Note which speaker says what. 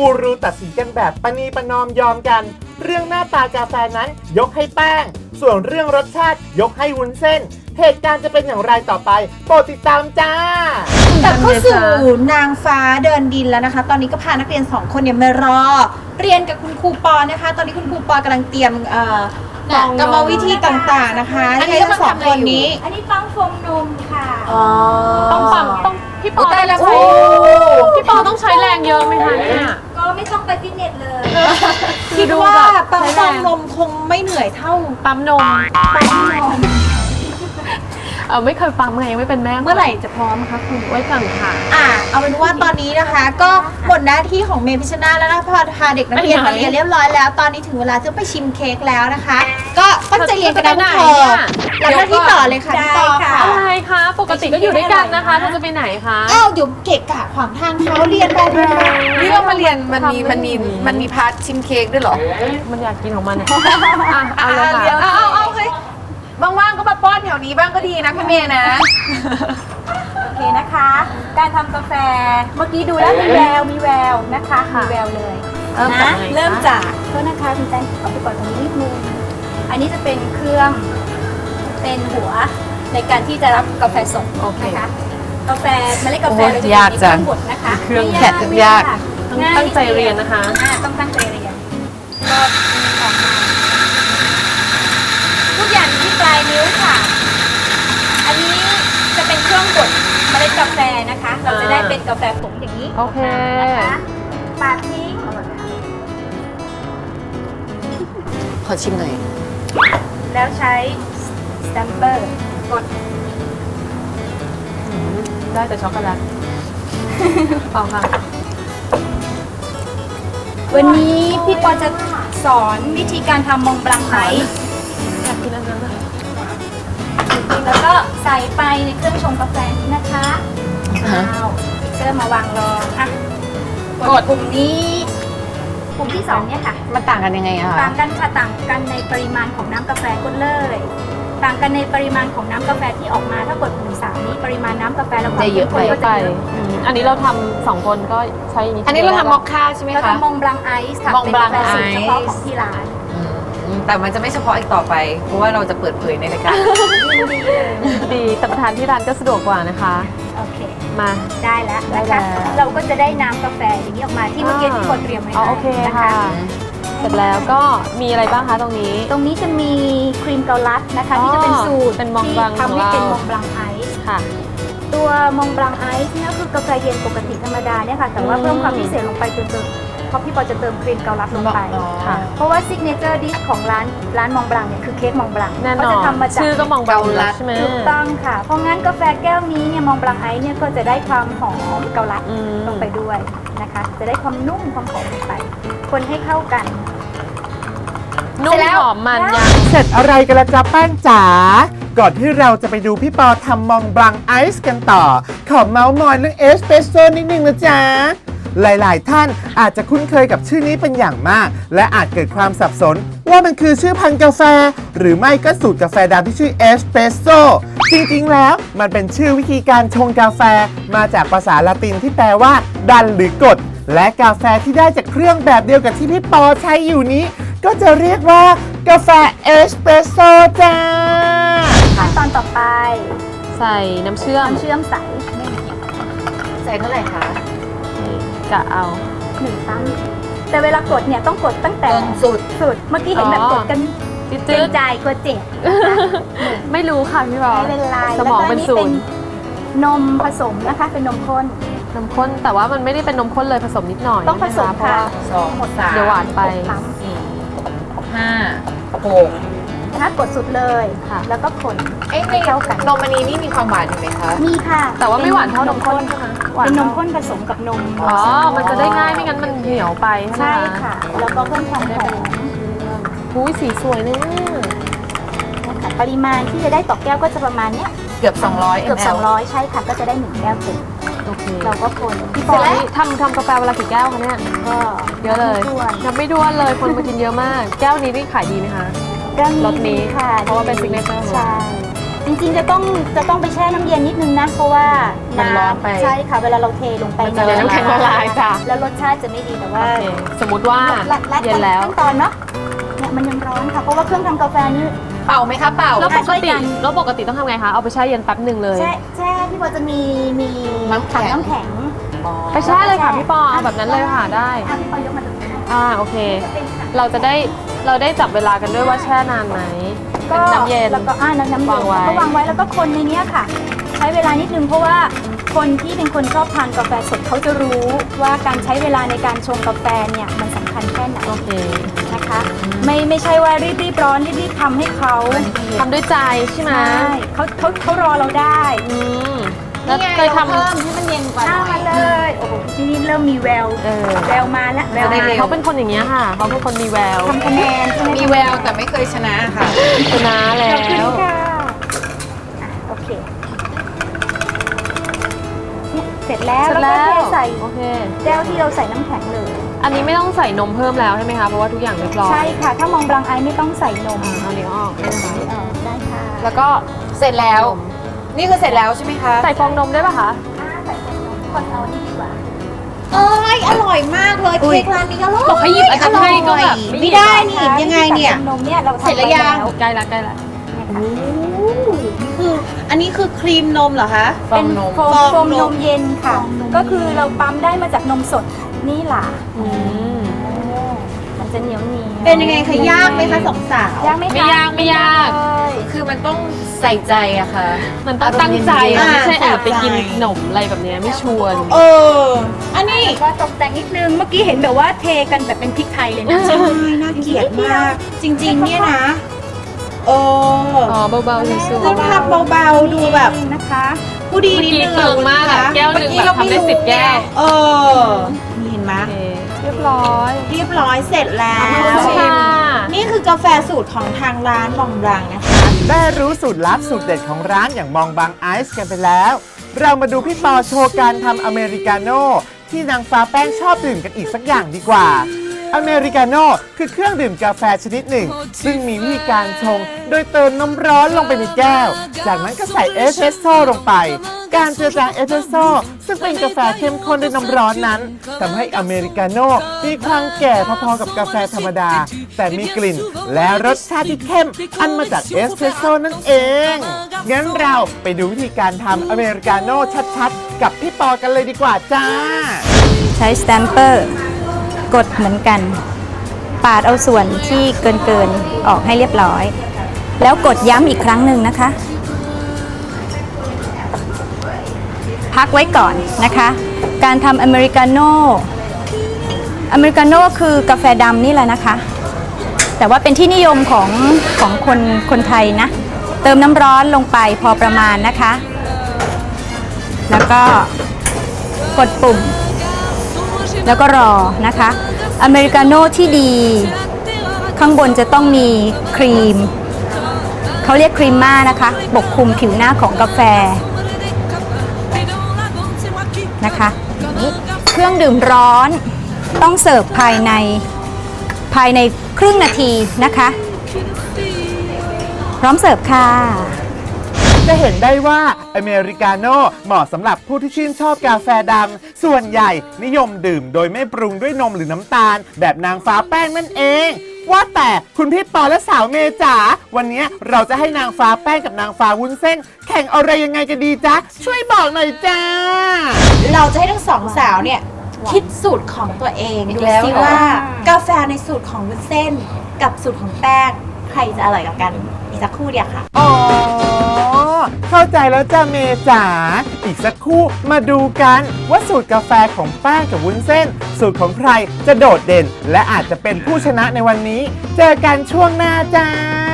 Speaker 1: กูรูตัดสินกันแบบประนีประนอมยอมกัน เรื่องหน้าตากาแฟนั้นยกให้แป้งส่วนเรื่องรสชาติยกให้วุ้นเส้นเหตุการณ์จะเป็นอย่างไรต่อไปโปรดติดตามจ้าก
Speaker 2: ลับเข้าสู่นางฟ้าเดินดินแล้วนะคะตอนนี้ก็พานักเรียน2คนเนี่ยมารอเรียนกับคุณครูปอนะคะตอนนี้คุณครูปอกำลังเตรียมกรรมวิธีต่างๆนะคะให้ทั้งสองคนนี้
Speaker 3: อันนี้ปั๊มโฟมนมค่ะ
Speaker 4: ต้องปั๊มต้องพี่ปอต้องใช้พี่ปอต้องใช้แรงเยอะไหมคะเนี่ย
Speaker 3: ก็ไม่ต้องไปฟิตเนสเลย
Speaker 2: คิดว่าปั๊มนมคงไม่เหนื่อยเท่า
Speaker 4: ปั๊มนมไม่เคยปั๊มไงไม่เป็นแม่
Speaker 2: เมื่อไหร่จะพร้อมคะคุณ
Speaker 4: ไว้ก่อนค่ะ
Speaker 2: เอาเป็นว่าตอนนี้นะคะ ก็หมดหน้าที่ของเมย์พิชนาแล้วนะพาเด็กนักเรียนมาเรียนเรียบร้อยแล้วตอนนี้ถึงเวลาจะไปชิมเค้กแล้วนะคะ ก็ตั้งใจเรียนกันนะทุกคนแล้วหน้าที่ต่อเลยค่ะพี่ปอค่ะ
Speaker 4: อะไรคะปกติก็อยู่ด้วยกันนะคะเธอจะไปไหนคะ
Speaker 2: เดี๋ยวเกะกะขวางทางเขาเรียนไป
Speaker 5: นี่ว่ามาเรียนมันมีพาร์ทชิมเค้กด้วยเหรอ
Speaker 4: มันอยากกินของมันเนี่ย
Speaker 5: เอาเลยค่ะเอาเฮ้ยว่างๆก็มาป้อนแถวนี้บ้างก็ดีนะพี่เมย์นะ
Speaker 3: โอเคนะคะ การทำกาแฟเมื่อกี้ดูแล้วมีแววนะคะมีแววเลยนะเริ่มจากโทษนะคะคุณแตงขอไปก่อนตรงนี้นิดนึงอันนี้จะเป็นเครื่องเป็นหัวในการที่จะรับกาแฟสดนะคะกาแฟเมล็ดกาแฟเราจะมีเครื่องบดนะคะ
Speaker 5: เครื่องแข็งยาก
Speaker 4: ตั้งใจเรียนนะคะ
Speaker 3: ต้องตั้งใจเรียนก็ออกมาทุกอย่างที่ปลายนิ้วค่ะอันนี้จะเป็นเครื่องบดเมล็ดกาแฟนะคะเราจะได้เป็นกาแฟผงอย่างนี้
Speaker 4: โอเค
Speaker 3: นะคะปาดทิ้ง
Speaker 5: ขอชิมหน่อย
Speaker 3: แล้วใช้สแตมเปอร์กด
Speaker 4: ได้แต่ช็อกโกแลตเอาค่ะ
Speaker 3: วันนี้พี่ปอจะสอนวิธีการทำมองบลังไอซ์
Speaker 4: อยากกินอันนั้นนะ
Speaker 3: แล้วก็ใส่ไปในเครื่องชงกาแฟนี้นะคะเริ่มมาวางรองกดปุ่มนี้ปุ่มที่2เนี่ยค่ะ
Speaker 5: มันต่างกันยังไงอะคะ
Speaker 3: ต่างกันค่ะต่างกันในปริมาณของน้ำกาแฟกดเลยต่างกันในปริมาณของน้ำกาแฟที่ออกมาถ้ากดปุ่ม3นี้ปริมาณน้ำกาแฟแล้วความเข้มข้นก็จะเยอะ
Speaker 4: อันนี้เราทำ2คนก็ใช้
Speaker 5: อันนี้เราทำมอคค่าใช่ไหมคะ
Speaker 3: เราทำมองบลังไอซ์ค่ะเป็นกาแฟสูตรเฉพาะของที่ร้าน
Speaker 5: แต่มันจะไม่เฉพาะอีกต่อไปเพราะว่าเราจะเปิดเผยในรายการ
Speaker 4: ดีแต่ประทานที่ร้านก็สะดวกกว่านะคะ
Speaker 3: โอเค
Speaker 4: มา
Speaker 3: ได้แล้วนะคะเราก็จะได้น้ำกาแฟอย่างนี้ออกมาที่เมื่อกี้ที่คนเตรียมไว้
Speaker 4: โอเคค่ะเสร็จแล้วก็มีอะไรบ้างคะตรงนี้
Speaker 3: จะมีครีมเกาลัดนะคะที่จะเป็นสูตร
Speaker 4: เป็นมองบลัง
Speaker 3: ทำให้เป็นมองบลังไอซ์
Speaker 4: ค่ะ
Speaker 3: ตัวมองบลังไอซ์นี่ก็คือกาแฟเย็นปกติธรรมดาเนี่ยค่ะแต่ว่าเพิ่มความพิเศษลงไปจนเพราะพี่ปอจะเติมครีมเกาลัดลงไปเพราะว่าซิกเนเจอร์ดิชของร้านมองบลังเนี่ยคือเค้กมองบลัง
Speaker 4: เขาจะทำมาจากชื่อก็มองบลังใช่ไหม
Speaker 3: ถูกต้องค่ะเพราะงั้นกาแฟแก้วนี้เนี่ยมองบลังไอซ์เนี่ยก็จะได้ความหอมเกาลัดลงไปด้วยนะคะจะได้ความนุ่มความหอมลงไปคนให้เข้ากัน
Speaker 4: นุ่มหอมมันยัง
Speaker 1: เสร็จอะไรกันละจ๊ะแป้งจ๋าก่อนที่เราจะไปดูพี่ปอทำมองบลังไอซ์กันต่อขอเมาส์มอยเรื่องเอสเปรสโซ่นิดนึงนะจ๊ะหลายๆท่านอาจจะคุ้นเคยกับชื่อนี้เป็นอย่างมากและอาจเกิดความสับสนว่ามันคือชื่อพันธุ์กาแฟหรือไม่ก็สูตรกาแฟดำที่ชื่อเอสเปรสโซ่จริงๆแล้วมันเป็นชื่อวิธีการชงกาแฟมาจากภาษาละตินที่แปลว่าดันหรือกดและกาแฟที่ได้จากเครื่องแบบเดียวกับที่พี่ปอใช้อยู่นี้ก็จะเรียกว่ากาแฟเอสเปรสโซ่จ้า
Speaker 3: ขั้นตอนต่อไป
Speaker 4: ใส่น้ำเชื่อม
Speaker 3: ใส่เท่าไหร่คะ
Speaker 4: กะเอา
Speaker 3: 1 ตั้งแต่เวลากดเนี่ยต้องกดตั้งแต่สุดเมื่อกี้เห็นแบบกดกันเต็มใจกดเจ็บ
Speaker 4: ไม่รู้ค่ะพี่บอล
Speaker 3: ไม่เป็นไร
Speaker 4: สมองเป็นศูนย์
Speaker 3: นมผสมนะคะเป็นนมข้น
Speaker 4: แต่ว่ามันไม่ได้เป็นนมข้นเลยผสมนิดหน่อย
Speaker 3: ต้องผสมค่ะ
Speaker 5: 2 3
Speaker 4: เดี๋ยวหวานไป
Speaker 5: 4 5 6
Speaker 3: ถ้ากดสุดเลยแล้วก็คน
Speaker 5: ให้เข้ากันนมอันนี้นี่มีความหวานอยู่ไหมคะ
Speaker 3: มีค่ะ
Speaker 4: แต่ว่าไม่หวานเท่านมข้นใช่ไหม
Speaker 3: เป็นนมข้นผสมกับนม
Speaker 4: มันจะได้ง่ายไม่งั้นมันเหนียวไป
Speaker 3: ใช่ค่ะแล้วก็เพิ่มความหอม
Speaker 4: หุ้ยสีสวยเนี่ย
Speaker 3: ปริมาณที่จะได้ต่อแก้วก็จะประมาณเนี้ย
Speaker 5: เกือบ200
Speaker 3: ใช่ค่ะก็จะได้1 แก้วเต็ม
Speaker 4: โอเค
Speaker 3: เราก็คน
Speaker 4: พี่ปอทำกาแฟเวลากี่แก้วคะเนี่ย
Speaker 3: ก็
Speaker 4: เยอะเลยนับไม่ด้วนเลยคนมากินเยอะมากแก้วนี้นี่ขายดีไหมคะ
Speaker 3: รสนี้ค่ะ
Speaker 4: เพราะว่าเป็นซิกเนเจอร์
Speaker 3: ใช่จริงๆจะต้องไปแช่น้ำเย็นนิดนึงนะเพราะว่า
Speaker 5: มันร้อนไป
Speaker 3: ใช่ค่ะเวลาเราเทลงไป
Speaker 4: มันจะน้ำแข็งละลายจ้ะ
Speaker 3: แล้วรสชาติจะไม่ดีแต่ว่า
Speaker 4: โอเคสมมติว่า
Speaker 3: ลัด
Speaker 4: เย็นแล้ว
Speaker 3: ขั้นตอนเนาะเนี่ยมันยังร้อนค่ะเพราะว่าเครื่องทำกาแฟนี่
Speaker 5: เป่าไหมคะเป่า
Speaker 4: แล้วปก
Speaker 3: ช่วย
Speaker 4: ติ
Speaker 3: กัน
Speaker 4: ต้องทำไงคะ เอาไปแช่เย็นแป๊บหนึ่งเลย
Speaker 3: แช่พี่บอลจะมี
Speaker 5: น้ำแข็ง
Speaker 3: ถังน้ำแข็ง
Speaker 4: ไปแช่เลยค่ะพี่ปอเอาแบบนั้นเลยค่ะได้
Speaker 3: พี่ปอยกมาตรงนี้
Speaker 4: โอเค เราได้จับเวลากันด้วยว่าแช่นานไหม
Speaker 3: ก็
Speaker 4: เป็นน้ำเย็น
Speaker 3: แล้วก็น้ำเย็น
Speaker 4: วางไว้
Speaker 3: ก็วางไว้แล้วก็คนในเนี้ยค่ะ ใช้เวลานิดนึงเพราะว่าคนที่เป็นคนชอบทานกาแฟสดเขาจะรู้ว่าการใช้เวลาในการชงกาแฟเนี่ยมันสำคัญแค่ไหน
Speaker 4: โอเค
Speaker 3: นะคะไม่ใช่ว่ารีบร้อนรีบทำให้เขา
Speaker 4: ทำด้วยใจใช่ไหม
Speaker 3: ใช่เขารอเราได้
Speaker 4: อืมแล้ว
Speaker 5: นี่ไง
Speaker 4: เคยทำ
Speaker 5: เพิ่มให้มันเย็นกว่าหน่
Speaker 3: มา
Speaker 5: อย
Speaker 3: เลยโอ้โหที่นี่เริ่มมีแวว แววมาแล้วแวว
Speaker 5: ได้
Speaker 3: มา
Speaker 5: เร็ว
Speaker 4: เขาเป็นคนอย่างเงี้ยค่ะ เขาเป็นคนมีแวว
Speaker 3: ทำคะแนนใช่ไหม
Speaker 5: มีแววแต่ไม่เคยชนะค่ะ
Speaker 4: ชนะแล้
Speaker 3: ขอบคุณ
Speaker 4: ว
Speaker 3: ค่ะโอเคเนี่ยเสร็จแล้ว
Speaker 4: เสร็จ
Speaker 3: แล้ว
Speaker 4: แล้
Speaker 3: ก็
Speaker 4: ว
Speaker 3: เทใส่
Speaker 4: โอเค
Speaker 3: แก้วที่เราใส่น้ำแข็งเลย
Speaker 4: อันนี้ไม่ต้องใส่นมเพิ่มแล้วใช่ไหมคะ เพราะว่าทุกอย่างเรียบร้อย
Speaker 3: ใช่ค่ะ ถ้ามองบลังไอไม่ต้องใส่นม
Speaker 4: เอานี้ออกได้ไหมคะ
Speaker 3: ได้ค่ะ
Speaker 5: แล้วก็เสร็จแล้ว นี่คือเสร็จแล้วใช่ไหมคะ
Speaker 4: ใส่ฟองนมได้ป่ะคะ
Speaker 3: ใส่นมคนเอานี่ดีกว่า
Speaker 2: เอ้ยอร่อยมากเลย
Speaker 3: อุ๊ย
Speaker 2: เค้กร้านนี้อร่อย
Speaker 4: บอกให้หยิบอันนั้นให้ก็แบบไม่หยิบ
Speaker 2: ไม่ได้นี่ยังไงเนี่ย
Speaker 3: ใส่นมเนี่ยเราทำ
Speaker 2: เสร็จแล้วยัง
Speaker 3: ไป
Speaker 4: ใกล้ละ
Speaker 2: คืออันนี้คือครีมนมเหรอคะ
Speaker 5: ฟองนม
Speaker 3: โฟมนมเย็นค่ะ
Speaker 2: ฟองนม
Speaker 3: ก็คือเราปั๊มได้มาจากนมสดนี่ล่ะ
Speaker 4: อืม
Speaker 3: มันจะเหนียวเหนียว
Speaker 2: เป็นยังไงคะยากไหมคะสองสาว
Speaker 3: ยากไหมคะ
Speaker 4: ไม่ยากไม่ยาก
Speaker 3: เลย
Speaker 5: คือมันต้องใส่ใจอะค่ะ
Speaker 4: มันต้องตั้งใจ
Speaker 2: อ่า
Speaker 4: ไม่ใช่แอบไปกิน
Speaker 2: ใส่
Speaker 4: ขนมอะไรแบบเนี้ยไม่ชวน
Speaker 2: เออ อันนี้
Speaker 3: ก็ตกแต่งนิดนึง เมื่อกี้เห็นแบบว่าเทกันแบบเป็นพริกไทยเลยนะ
Speaker 2: ใช่น่าเกลียดมาก จริง ๆ เนี่ยนะเออ
Speaker 4: อ๋อเบาๆชิว
Speaker 2: ต้องทำเบาๆดูแบบ
Speaker 3: นะคะ
Speaker 2: ผู้ดี
Speaker 4: ๆเมื่อ
Speaker 2: นิด
Speaker 4: กี้
Speaker 2: นึง
Speaker 4: เกิงมากอะแก้วหนึ่งแบบทำได้10 แก้ว
Speaker 2: เออนี่เห็นไหม
Speaker 4: โอเคเรียบร้อย
Speaker 2: เรียบร้อยเสร็จแล้ว
Speaker 4: ขอบคุณค่ะ
Speaker 2: นี่คือกาแฟสูตรของทางร้านมองบลังนะคะ
Speaker 1: ได้รู้สูตรลับสูตรเด็ดของร้านอย่างมองบางไอซ์กันไปแล้ว เรามาดูพี่ปอโชว์การทำอเมริกาโน่ที่นางฟ้าแป้งชอบดื่มกันอีกสักอย่างดีกว่า อเมริกาโน่คือเครื่องดื่มกาแฟชนิดหนึ่ง ซึ่งมีวิธีการชง โดยเติมน้ำร้อนลงไปในแก้ว จากนั้นก็ใส่เอสเปรสโซ่ลงไป การเจือจางเอสเปรสโซ่ซึ่งเป็นกาแฟเข้มข้นด้วยน้ำร้อนนั้นทำให้อเมริกาโน่มีความแก่พอๆกับกาแฟธรรมดา แต่มีกลิ่นและรสชาติที่เข้มอันมาจากเอสเปรสโซ่นั่นเอง งั้นเราไปดูวิธีการทำอเมริกาโน่ชัดๆ กับพี่ปอกันเลยดีกว่าจ้า
Speaker 3: ใช้สแตมเปอร์กดเหมือนกัน ปาดเอาส่วนที่เกินออกให้เรียบร้อย แล้วกดย้ำอีกครั้งหนึ่งนะคะ พักไว้ก่อนนะคะ การทำอเมริกาโน่คือกาแฟดำนี่แหละนะคะ แต่ว่าเป็นที่นิยมของคนไทยนะ เติมน้ำร้อนลงไปพอประมาณนะคะ แล้วก็กดปุ่ม แล้วก็รอนะคะอเมริกาโน่ที่ดีข้างบนจะต้องมีครีมเขาเรียกครีมม่านะคะปกคลุมผิวหน้าของกาแฟนะคะเครื่องดื่มร้อนต้องเสิร์ฟภายในครึ่งนาทีนะคะพร้อมเสิร์ฟค่ะ
Speaker 1: จะเห็นได้ว่าอเมริกาโน่เหมาะสำหรับผู้ที่ชื่นชอบกาแฟดำส่วนใหญ่นิยมดื่มโดยไม่ปรุงด้วยนมหรือน้ำตาล แบบนางฟ้าแป้งนั่นเอง ว่าแต่คุณพี่ปอและสาวเมย์จ๋าวันนี้เราจะให้นางฟ้าแป้งกับนางฟ้าวุ้นเส้น แข่งอะไรยังไงกันดีจ๊ะ ช่วยบอกหน่อยจ้า
Speaker 2: เราจะให้ทั้งสองสาวเนี่ย คิดสูตรของตัวเอง
Speaker 5: อี
Speaker 2: ดู
Speaker 5: กแล้ว
Speaker 2: ซิ
Speaker 5: เหรอ
Speaker 2: ว่ากาแฟในสูตรของวุ้นเส้น กับสูตรของแป้ง ใครจะอร่อยกว่ากันอีกสักครู่เดียวค่ะ
Speaker 1: อ๋อ เข้าใจแล้วจ้าเมย์จ๋าอีกสักครู่มาดูกันว่าสูตรกาแฟของแป้งกับวุ้นเส้น สูตรของใครจะโดดเด่น และอาจจะเป็นผู้ชนะในวันนี้ เจอกันช่วงหน้าจ้า